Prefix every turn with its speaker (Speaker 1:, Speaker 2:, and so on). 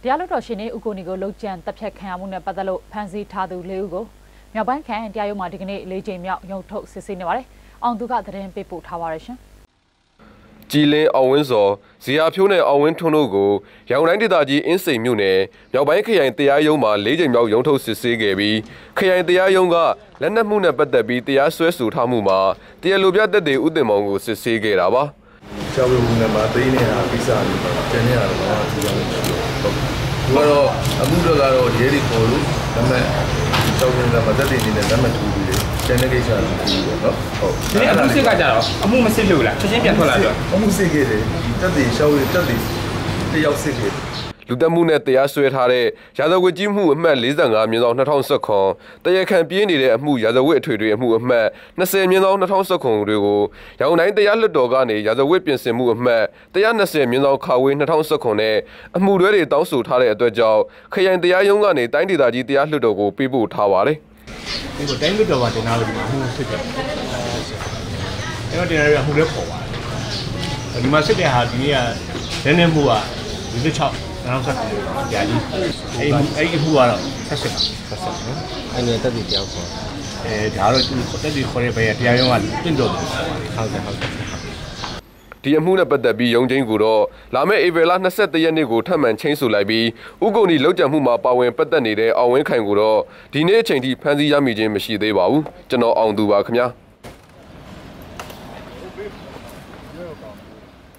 Speaker 1: တရားလွှတ်တော်ရှင်နေဦးကိုနီကိုလုံခြံတပ်ဖြတ်ခံရမှုနဲ့ပတ်သက်လို့ဖမ်းဆီးထားသူ၄ဦးကိုမြောက်ပိုင်းခရိုင်တရားရုံးမှာဒီကနေ့၄ချိန်မြောက်ရုံးထုတ်စစ်ဆေးနေပါတယ်။အောင်သူကသတင်းပေးပို့ထားပါရရှင်
Speaker 2: ။ကြည်လင်းအောင်ဝင်းစောဇီယာဖြိုးနဲ့အောင်ဝင်းထွန်းတို့ကိုရန်ကုန်တိုင်းဒေသကြီးအင်းစိန်မြို့နယ်မြောက်ပိုင်းခရိုင်တရားရုံးမှာ၄ချိန်မြောက်ရုံးထုတ်စစ်ဆေးခဲ့ပြီးခရိုင်တရားရုံးကလက်နက်မှုနဲ့ပတ်သက်ပြီးတရားစွဲဆိုထားမှုမှာတရားလိုပြသက်သေဦးတင်မောင်ကိုစစ်ဆေးခဲ့တာပါ
Speaker 3: ။ကျောင်းဝင်နေမှာသိနေတာကိစ္စတွေပါ။ကျန်နေတာတော့ဒီလိုမျိုးဟုတ်။သူကတော့အမှုတော့ကတော့ရဲတွေပေါ်လို့ဒါပေမဲ့ကျောင်းဝင်ကမသက်သေနေနဲ့လက်မှတ်ထိုးပြီးတယ်။ကျန်တဲ့ကိစ္စတွေပြီးပေါ့နော်။ဟုတ်
Speaker 4: ။ဒီအမှုစစ်ကကြတော့အမှုမစစ်လို့လားချက်ချင်းပြန်ထွက်လာတော့
Speaker 3: အမှုစစ်ခဲ့တယ်။တက်သေးရှောက်ရတက်သေးတယောက်စစ်ခဲ့တယ်
Speaker 2: လူတက်မှုနဲ့တရားစွဲထားတဲ့ရာဇဝတ်ကြီးမှုအမှတ်45/2019တရားခံပြေးနေတဲ့အမှုရာဇဝတ်အထွေထွေအမှုအမှတ်20/2019တွေကိုရောင်တိုင်းတရားလွှတ်တော်ကနေရာဇဝတ်ပြင်ဆင်မှုအမှတ်120/2019နဲ့အမှုတွဲတွေတောင်းဆိုထားတဲ့အတွက်ကြောင့်ခရိုင်တရားရုံးကနေတိုင်းဒေသကြီးတရားလွှတ်တော်ကိုပေးပို့ထားပါတယ်
Speaker 4: ။ဒီတိုင်းလွှတ်တော်ကတင်လာလို့ဒီမှာအမှုစစ်တယ်။အဲ့တော့တင်လာရအမှုလည်းပေါ်ပါတယ်။ဒီမှာစစ်တဲ့ဟာဒီနေ့ကနည်းနည်းမှုက26နောက်ဆက်ပြီးကြာကြီးအဲ့ဒီအမှုကတော့ဆက်စစ်နော်
Speaker 5: အဲ့ဒီတက်တည်ကြောက်ခေါ်
Speaker 4: ဒါတော့သူတက်တည်ခေါ်တဲ့ဘယ်တရားရုံးကတင့်တော်တယ်
Speaker 5: ဟုတ်တယ်
Speaker 2: ဒီအမှုနဲ့ပတ်သက်ပြီးရုံးချင်းကိုတော့လာမယ့်ဧပြီလ23ရက်နေ့ကိုထပ်မံချင်းဆိုလိုက်ပြီးဥက္ကုဏီလောက်ကျန်မှုမှာပါဝင်ပတ်သက်နေတဲ့အောင်ဝင်းခိုင်ကိုတော့ဒီနေ့အချိန်ထိဖမ်းဆီးရမိခြင်းမရှိသေးပါဘူးကျွန်တော်အောင်သူပါခင်ဗျာ